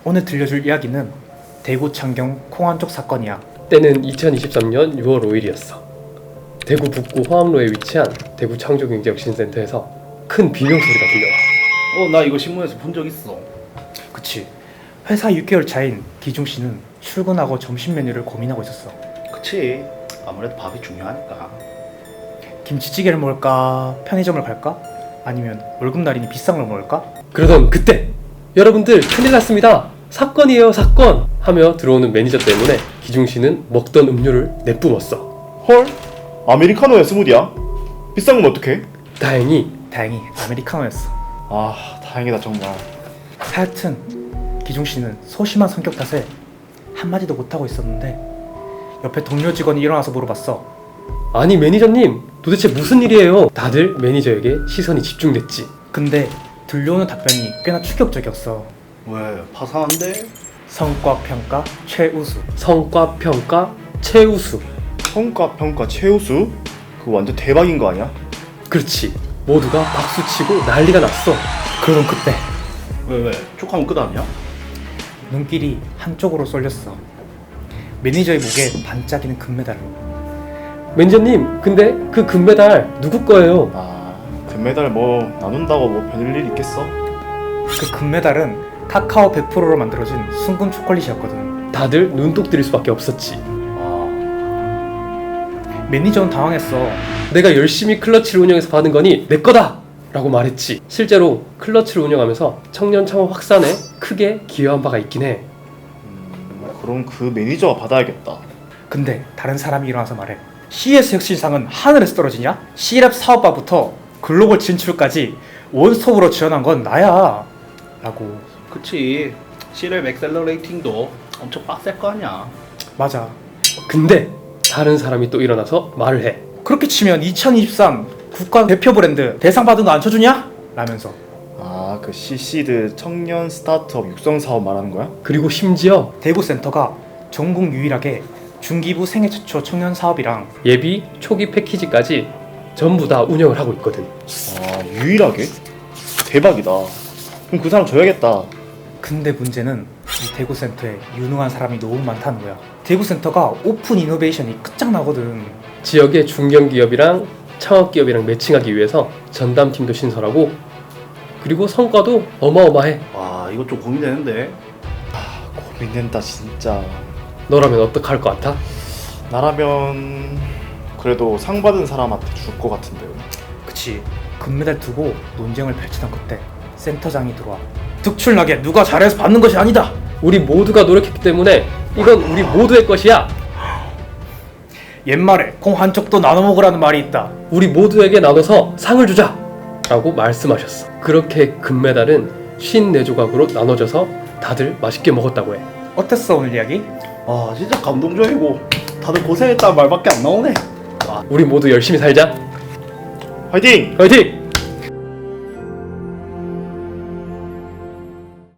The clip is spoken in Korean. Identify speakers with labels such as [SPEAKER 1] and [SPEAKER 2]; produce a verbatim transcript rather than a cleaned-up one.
[SPEAKER 1] 오늘 들려줄 이야기는 대구 창경 콩한쪽 사건이야.
[SPEAKER 2] 때는 이천이십삼년 유월 오일이었어. 대구 북구 화암로에 위치한 대구 창조경제혁신센터에서 큰 비명 소리가 들려와.
[SPEAKER 3] 어, 나 이거 신문에서 본 적 있어.
[SPEAKER 1] 그치. 회사 육 개월 차인 기중 씨는 출근하고 점심 메뉴를 고민하고 있었어.
[SPEAKER 3] 그치. 아무래도 밥이 중요하니까.
[SPEAKER 1] 김치찌개를 먹을까? 편의점을 갈까? 아니면 월급날이니 비싼 걸 먹을까?
[SPEAKER 2] 그러던 그때 여러분들 큰일 났습니다. 사건이에요 사건 하며 들어오는 매니저 때문에 기중씨는 먹던 음료를 내뿜었어.
[SPEAKER 4] 헐? 아메리카노야 스무디야? 비싼 건 어떡해?
[SPEAKER 2] 다행히
[SPEAKER 1] 다행히 아메리카노였어.
[SPEAKER 4] 아 다행이다 정말.
[SPEAKER 1] 하여튼 기중 씨는 소심한 성격 탓에 한마디도 못하고 있었는데 옆에 동료 직원이 일어나서 물어봤어.
[SPEAKER 2] 아니 매니저님 도대체 무슨 일이에요? 다들 매니저에게 시선이 집중됐지.
[SPEAKER 1] 근데 들려오는 답변이 꽤나 충격적이었어.
[SPEAKER 3] 왜? 파산한데?
[SPEAKER 1] 성과 평가 최우수.
[SPEAKER 2] 성과 평가 최우수.
[SPEAKER 4] 성과 평가 최우수? 그거 완전 대박인 거 아니야?
[SPEAKER 2] 그렇지. 모두가 박수치고 난리가 났어.
[SPEAKER 1] 그러던 그때
[SPEAKER 3] 왜 왜? 촉하면 끝 아니야?
[SPEAKER 1] 눈길이 한쪽으로 쏠렸어. 매니저의 목에 반짝이는 금메달.
[SPEAKER 2] 매니저님 근데 그 금메달 누구 거예요?
[SPEAKER 4] 아 금메달 뭐 나눈다고 뭐 별일 있겠어?
[SPEAKER 1] 그 금메달은 카카오 백 퍼센트로 만들어진 순금 초콜릿이었거든.
[SPEAKER 2] 다들 눈독 들일 수밖에 없었지.
[SPEAKER 3] 아,
[SPEAKER 1] 매니저는 당황했어.
[SPEAKER 2] 내가 열심히 클러치를 운영해서 받은 거니 내 거다! 라고 말했지. 실제로 클러치를 운영하면서 청년 창업 확산에 크게 기여한 바가 있긴 해.
[SPEAKER 4] 음, 그럼 그 매니저가 받아야겠다.
[SPEAKER 1] 근데 다른 사람이 일어나서 말해. 씨이에스 혁신상은 하늘에서 떨어지냐? C랩 사업화부터 글로벌 진출까지 원스톱으로 지원한 건 나야 라고.
[SPEAKER 3] 그치. C랩 엑셀러레이팅도 엄청 빡셀 거 아니야.
[SPEAKER 1] 맞아.
[SPEAKER 2] 근데 다른 사람이 또 일어나서 말을 해.
[SPEAKER 1] 그렇게 치면 이천이십삼 국가 대표 브랜드 대상 받은 거 안 쳐주냐? 라면서.
[SPEAKER 4] 아그 씨씨드 청년 스타트업 육성 사업 말하는 거야?
[SPEAKER 2] 그리고 심지어
[SPEAKER 1] 대구센터가 전국 유일하게 중기부 생애 최초 청년 사업이랑
[SPEAKER 2] 예비 초기 패키지까지 전부 다 운영을 하고 있거든.
[SPEAKER 4] 아 유일하게? 대박이다. 그럼 그 사람 줘야겠다.
[SPEAKER 1] 근데 문제는 이 대구센터에 유능한 사람이 너무 많다는 거야. 대구센터가 오픈 이노베이션이 끝장나거든.
[SPEAKER 2] 지역의 중견기업이랑 창업기업이랑 매칭하기 위해서 전담팀도 신설하고 그리고 성과도 어마어마해.
[SPEAKER 3] 와, 이거 좀 고민되는데.
[SPEAKER 4] 고민된다 진짜.
[SPEAKER 2] 너라면 어떡할 것 같아?
[SPEAKER 4] 나라면 그래도 상 받은 사람한테 줄 것 같은데요.
[SPEAKER 1] 그치. 금메달 두고 논쟁을 펼치던 그때 센터장이 들어와. 특출나게 누가 잘해서 받는 것이 아니다.
[SPEAKER 2] 우리 모두가 노력했기 때문에 이건 우리 모두의 것이야.
[SPEAKER 1] 옛말에 콩 한쪽도 나눠 먹으라는 말이 있다.
[SPEAKER 2] 우리 모두에게 나눠서 상을 주자! 라고 말씀하셨어. 그렇게 금메달은 오십사 조각으로 나눠져서 다들 맛있게 먹었다고 해.
[SPEAKER 1] 어땠어 오늘 이야기?
[SPEAKER 3] 아, 진짜 감동적이고 다들 고생했다는 말밖에 안 나오네.
[SPEAKER 2] 우리 모두 열심히 살자.
[SPEAKER 4] 화이팅!
[SPEAKER 2] 화이팅!